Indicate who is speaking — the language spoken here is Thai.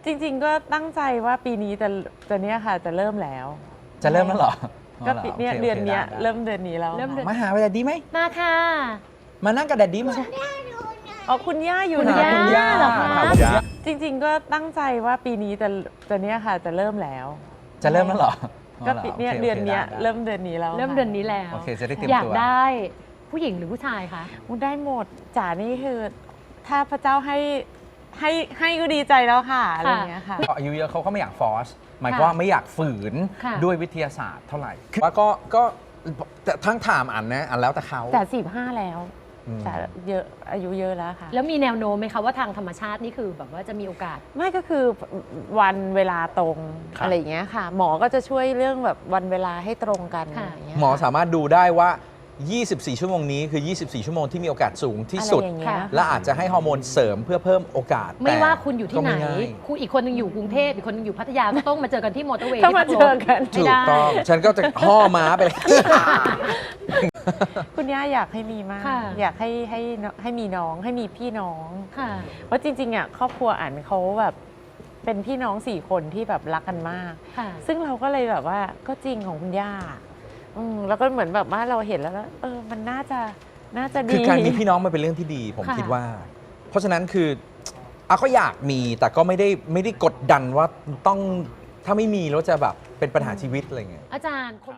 Speaker 1: จริงๆก็ตั้งใจว่าปีนี้จะเนี้ยค่ะจะเริ่มแล้ว
Speaker 2: จะเริ่มแล้วเหรอ
Speaker 1: ก็ปีเนี้ย
Speaker 2: โค
Speaker 1: เดือนเนี้ย
Speaker 2: ได้
Speaker 1: เริ่มเดือนนี้แล้ว
Speaker 3: เริ่มเดือน
Speaker 2: มาหาแดดดี้ไหม
Speaker 3: มาค่ะ
Speaker 2: มานั่งกับแดดดี้มา
Speaker 1: อ๋อคุณย่าอยู่
Speaker 3: คุณ
Speaker 1: ไหน
Speaker 3: ย่าเหรอคะ
Speaker 2: คุณย่า
Speaker 1: จริงๆก็ตั้งใจว่าปีนี้จะเนี้ยค่ะจะเริ่มแล้ว
Speaker 2: จะเริ่มแล้วเหรอ
Speaker 1: ก็ปีเนี้ย
Speaker 2: โค
Speaker 1: เดือนเนี้ย
Speaker 2: ได้
Speaker 1: เริ่มเดือนนี้แล้ว
Speaker 3: เริ่มเดือนนี้แล้ว
Speaker 2: โอเคจะได้เตรียม
Speaker 3: อยาก
Speaker 2: ตัว
Speaker 3: ได้ผู้หญิงหรือผู้ชายคะ
Speaker 1: ได้หมดจ๋านี่คือถ้าพระเจ้าให้ก็ดีใจแล้วค่ะอะไรอย่างเงี้ยค่ะ
Speaker 2: อายุเยอะเขาก็ไม่อยากฟอร์สหมายความว่าไม่อยากฝืน
Speaker 3: ค่ะ
Speaker 2: ด้วยวิทยาศาสตร์เท่าไหร่ว่าก็แต่ทั้งถามอันนะอันแล้วแต่เขา
Speaker 1: แต่45แล้ว
Speaker 2: อืม
Speaker 1: จ๋าเยอะอายุเยอะแล้วค่ะ
Speaker 3: แล้วมีแนวโน้มไหมคะว่าทางธรรมชาตินี่คือแบบว่าจะมีโอกาส
Speaker 1: ไม่ก็คือวันเวลาตรง
Speaker 2: ครับ
Speaker 1: อะไรอย่างเงี้ยค่ะ หมอก็จะช่วยเรื่องแบบวันเวลาให้ตรงกัน
Speaker 3: ค่ะ
Speaker 1: อะไรอย่างเงี้ย
Speaker 2: หมอสามารถดูได้ว่า 24 ชั่วโมงนี้คือ 24 ชั่วโมงที่มีโอกาสสูงที่สุด
Speaker 1: อะไรอย่างเงี้ย
Speaker 2: และอาจจะให้ฮอร์โมนเสริมเพื่อเพิ่มโอกาส
Speaker 3: ไม่
Speaker 2: แต่
Speaker 3: ว่าคุณอยู่ที่ไหน
Speaker 2: ก็ม่ง่าย
Speaker 3: คุณอีกคนหนึงอยู่กรุงเทพอีกคนหนึงอยู่พัทยาก็ต้องมาเจอกันที่มอเตอร์เวย์
Speaker 1: ต้องมาเจอกัน
Speaker 3: ไม่
Speaker 2: ถูก
Speaker 3: ได้
Speaker 2: ต้อง ฉันก็จะห่อม้าไปเลย
Speaker 1: คุณย่าอยากให้มีมาก
Speaker 3: ค่ะ
Speaker 1: อยากให้มีน้องให้มีพี่น้อง
Speaker 3: ค่ะ
Speaker 1: เพราะจริงๆอ่ะครอบครัวอันเขาแบบเป็นพี่น้อง4 คนที่แบบรักกันมาก
Speaker 3: ค่ะ
Speaker 1: ซึ่งเราก็เลยแบบว่าก็จริงของคุณย่าแล้วก็เหมือนแบบว่าเราเห็นแล้วมันน่าจะดี
Speaker 2: คือการมีพี่น้องมันเป็นเรื่องที่ดีผม
Speaker 3: ค่ะ
Speaker 2: คิดว่า เพราะฉะนั้นคือก็อยากมีแต่ก็ไม่ได้กดดันว่าต้องถ้าไม่มีแล้วจะแบบเป็นปัญหาชีวิตอะไรเงี้ย
Speaker 3: อาจารย์